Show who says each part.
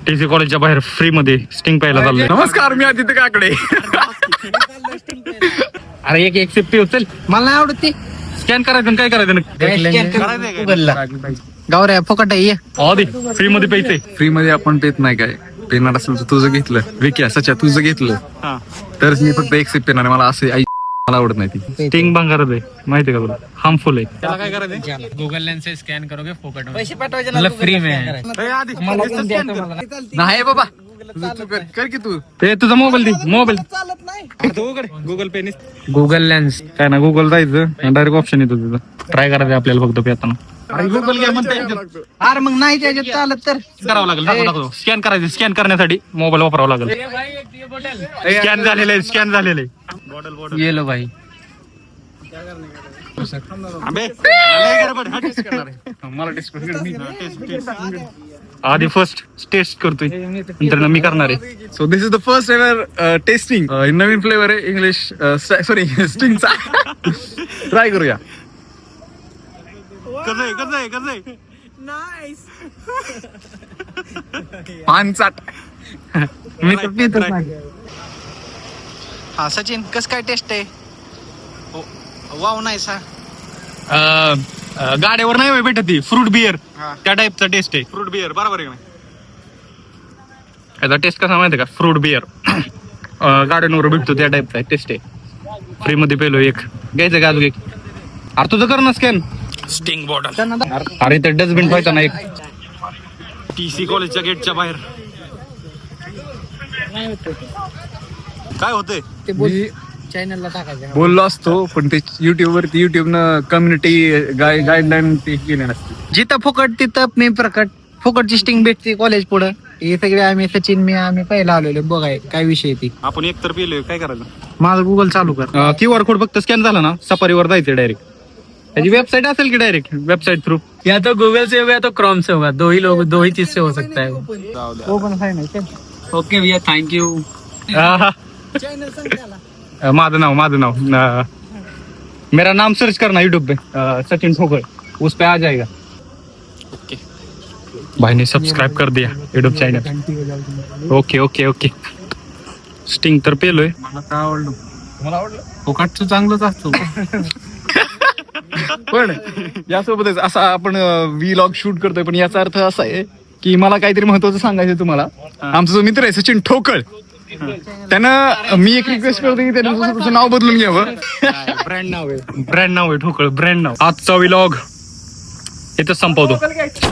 Speaker 1: TC कॉलेजच्या बाहेर free मध्ये स्टिंग प्यायला चाललोय.
Speaker 2: नमस्कार, मी आदित्य काकडे.
Speaker 1: अरे एक एक्सेप्टिव्ह चल,
Speaker 3: मला नाही आवडत ती.
Speaker 1: स्कॅन करायचं आणि काय करायचं
Speaker 3: गावऱ्या फुकट आहे.
Speaker 1: आधी फ्री मध्ये प्यायचंय.
Speaker 2: फ्री मध्ये आपण पेत नाही काय, पेणार असेल तर तुझं घेतलं विक्या सच्या तुझं घेतलं तरच मी फक्त एक्सेप्ट पेणार. मला असे मला आवडत नाही ती.
Speaker 1: स्टिंग भंगारच आहे माहिती का तुला, हार्मफुल आहे. त्याला काय करायचं,
Speaker 4: गूगल लेंस से स्कॅन करोगे फोकट में,
Speaker 3: पैसे पाठवायचे
Speaker 4: मतलब फ्री में है.
Speaker 2: नाही बाबा, तू कर की तू.
Speaker 1: ते तुझा मोबाईल दे, मोबाईल
Speaker 3: चालत नाही.
Speaker 1: गुगल पे
Speaker 4: गूगल लेंस
Speaker 1: काय ना, गुगल जायचं डायरेक्ट ऑप्शन येतो तिथं. ट्राय करायचं आपल्याला फक्त पेताना. अरे गुगल घ्या म्हणता
Speaker 3: अरे मग नाही त्याच्यात चालत तर
Speaker 1: करावं लागेल. स्कॅन करायचं, स्कॅन करण्यासाठी मोबाईल वापरावा लागेल. स्कॅन झालेलं आहे, स्कॅन झालेलं आहे.
Speaker 4: ये लो भाई.
Speaker 1: आधी फर्स्ट टेस्ट करतोय, नंतर मी करणार आहे.
Speaker 2: So this is the first ever testing. नवीन फ्लेवर आहे इंग्लिश सॉरी स्टिंगचा. ट्राय करूया. पान चाट.
Speaker 1: मी तर पितच नाही.
Speaker 3: हा सचिन कस काय टेस्ट आहे? वाव नाही सा.
Speaker 1: गाड्यावर नाही भेटत ती फ्रूट बिअर,
Speaker 3: हा.
Speaker 1: त्या टाईपचा टेस्ट आहे.
Speaker 2: फ्रूट बिअर बरोबर आहे.
Speaker 1: याचा टेस्ट कसा माहिती का, फ्रूट बिअर गाड्यांवर भेटतो त्या टाईपचा टेस्ट आहे. फ्री मध्ये पेलो एक घ्यायचं का अजून एक. अरे तुझं कर ना स्कॅन. Sting bottle. अरे ते डस्टबिन पाहिजे ना एक. टीसी कॉलेजच्या गेटच्या बाहेर काय होतंय
Speaker 3: ते बोल चॅनलला टाकायचं.
Speaker 2: बोललो असतो पण ते युट्यूबनं कम्युनिटी गाईडलाईन ते केले नसते.
Speaker 3: जिथं फुकट तिथं मी प्रकट. फुकटची स्टिंग भेटते कॉलेज पुढं. हे सगळे आम्ही सचिन मी आम्ही पहिला आलेलो बघाय काय विषय ती.
Speaker 1: आपण एक तर पेलोय, काय करायचं.
Speaker 3: माझं गुगल चालू कर.
Speaker 1: QR कोड फक्त स्कॅन झाला ना, सफारीवर जायचं डायरेक्ट. त्याची वेबसाईट असेल की डायरेक्ट वेबसाईट थ्रू.
Speaker 4: या तो गूगल से होगा या तो क्रोम से होगा, दो ही चीज से हो सकता है.
Speaker 3: ओपन आहे नाही
Speaker 4: ओके भैया, थैंक यू.
Speaker 3: चॅनल सांग त्याला.
Speaker 1: माझं नाव मेरा नाम सर्च करना यूट्यूब पे, सचिन ठोकर, उस पे आ जाएगा. ओके, भाई ने सब्सक्राइब कर दिया YouTube channel. Okay okay okay. Sting तर पेलोय.
Speaker 2: मला आवडलं.
Speaker 4: फोकटचं चांगलंच असतो.
Speaker 2: पण यासोबतच असा आपण व्लॉग शूट करतोय, पण याचा अर्थ असा आहे की मला काहीतरी महत्वाचं सांगायचं तुम्हाला. आमचा जो मित्र आहे सचिन ठोकळ, त्यानं मी एक रिक्वेस्ट करतो की त्यानं तुझं नाव बदलून घ्यावं.
Speaker 1: ब्रँड नाव आहे ठोकळ, ब्रँड नाव. आजचा व्लॉग इथं संपवतो.